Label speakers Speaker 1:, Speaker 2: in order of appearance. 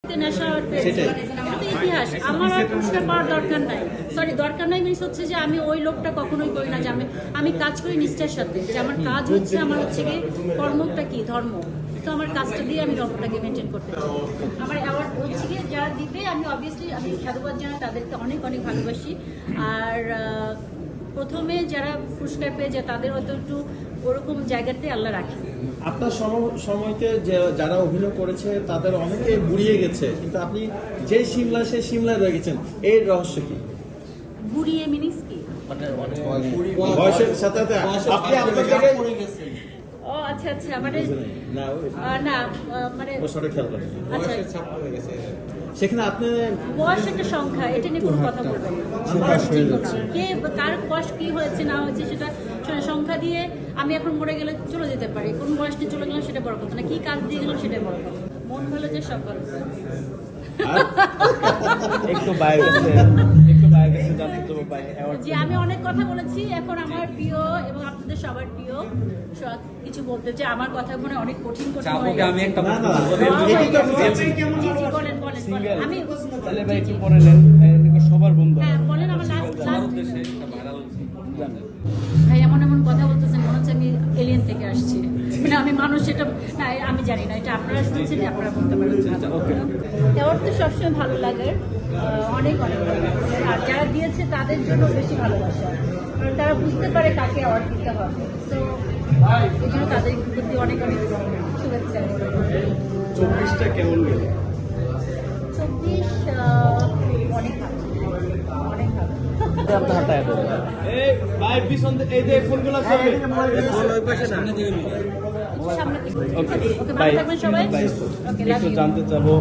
Speaker 1: মুহূর্তে নেশা পেয়েছে, এটা তো ইতিহাস। আমার আর পুরস্কার পাওয়ার দরকার নাই, সরি দরকার নাই মিনস হচ্ছে যে আমি ওই লোকটা কখনোই করি না যে আমি কাজ করি নিষ্ঠার সাথে, যে আমার কাজ হচ্ছে আমার হচ্ছে কি কর্মটা কি ধর্ম, তো আমার কাজটা দিয়ে আমি ধর্মটাকে মেনটেন করতে চাই। আমার অ্যাওয়ার্ড হচ্ছে গিয়ে যারা দিবে আমি অবভিয়াসলি আমি সাধুবাদ জানাই, তাদেরকে অনেক অনেক ভালোবাসি। আর প্রথমে যারা পুরস্কার পেয়ে যায় তাদের হয়তো একটু ওরকম জায়গাতে আল্লাহ রাখে।
Speaker 2: আপনার সময়তে যারা অভিনয় করেছে তাদের অনেকে বুড়িয়ে গেছে, কিন্তু আপনি যে সিমলা সেই সিমলায় রয়ে গেছেন, এর রহস্য কি?
Speaker 1: বুড়িয়ে মিনিংস কি?
Speaker 2: বয়সের সাথে সাথে আপনি আপনার জায়গায়
Speaker 1: ও আচ্ছা আচ্ছা, মানে
Speaker 2: না
Speaker 1: না মানে
Speaker 2: বছরে খেয়াল করেন
Speaker 1: আচ্ছা
Speaker 2: সেখানে আপনি
Speaker 1: বয়স একটা সংখ্যা, এটা নিয়ে কোনো কথা বলবেন না। বয়স ঠিক না, কে কার বয়স কি হয়েছে না হয়েছে সেটা সংখ্যা দিয়ে আমি এখন মরে গেলে চলে যেতে পারি, কোন বয়স নিয়ে চলে গেলাম সেটা বড় কথা না, কি কাজ দিয়ে গেলাম সেটা বড় কথা। মন ভালো যে সকল।
Speaker 3: একটু বাইরে জানতে তো পাই
Speaker 1: যে আমি অনেক কথা বলেছি, এখন আমার প্রিয় এবং আপনাদের সবার প্রিয় কিছু বলতে, যে আমার কথা মনে অনেক কঠিন কঠিন হয়ে গেছে।
Speaker 3: আমি একটা
Speaker 1: বলেন বলেন বলেন, আমি
Speaker 3: তাহলে ভাই একটু পরে নেন, সবার বন্ধু।
Speaker 1: হ্যাঁ বলেন, আমার লাস্ট ভাই এমন এমন কথা বলতেছেন মনে হচ্ছে আমি এলিয়েন থেকে আসছি, মানে আমি মানুষ, এটা না আমি জানি না, এটা আপনারা শুনছেন, আপনারা বলতে পারেন। অ্যাওয়ার্ড তো সবসময় ভালো লাগে, অনেক অনেক ভালো লাগে। আর যারা দিয়েছে তাদের জন্য বেশি ভালোবাসা, কারণ তারা বুঝতে পারে কাকে অ্যাওয়ার্ড দিতে হবে, তো এই জন্য তাদের প্রতি অনেক অনেক শুভেচ্ছা।
Speaker 3: 24টা কেমন গেল?
Speaker 1: 24 অনেক ভালো, অনেক ভালো।
Speaker 3: আপনার হাতে এই ভাই পিছন এই যে ফোনগুলো করবে
Speaker 1: সামনে থেকে।
Speaker 3: ওকে
Speaker 1: ওকে ভালো থাকবেন সবাই। ওকে, লাভ
Speaker 3: একটু
Speaker 1: ইউ।
Speaker 3: জানতে চাবো